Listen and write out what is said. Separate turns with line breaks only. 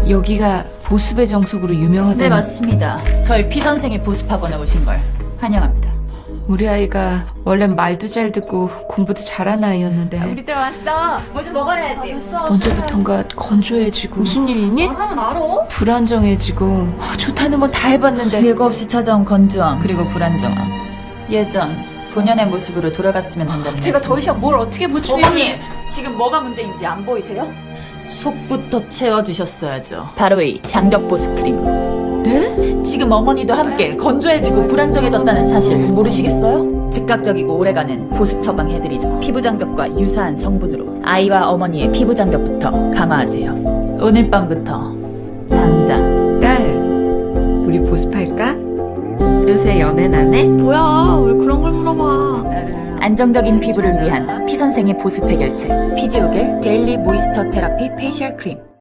여기가 보습의 정석으로 유명하다는.
네, 맞습니다. 저희 피 선생의 보습학원에 오신 걸 환영합니다.
우리 아이가 원래 말도 잘 듣고 공부도 잘하는 아이였는데
우리들 왔어. 뭐 좀 먹어야지.
언제부턴가 건조해지고 무슨 일이니?
하면 알아.
불안정해지고 좋다는 건 다 해봤는데
예고 없이 찾아온 건조함 그리고 불안정함. 예전 본연의 모습으로 돌아갔으면 한다는
제가 더
말씀이시죠?
이상 뭘 어떻게 보충해?
어머니! 지금 뭐가 문제인지 안 보이세요? 속부터 채워주셨어야죠. 바로 이 장벽 보습 크림.
네?
지금 어머니도 함께 건조해지고 불안정해졌다는 사실 모르시겠어요? 즉각적이고 오래가는 보습 처방해드리죠. 피부 장벽과 유사한 성분으로 아이와 어머니의 피부 장벽부터 강화하세요. 오늘 밤부터 당장.
딸, 우리 보습할까? 요새 연애 안 해?
뭐야? 왜 그런 걸 물어봐?
안정적인 피부를 위한 피 선생의 보습 해결책 피지오겔 데일리 모이스처 테라피 페이셜 크림.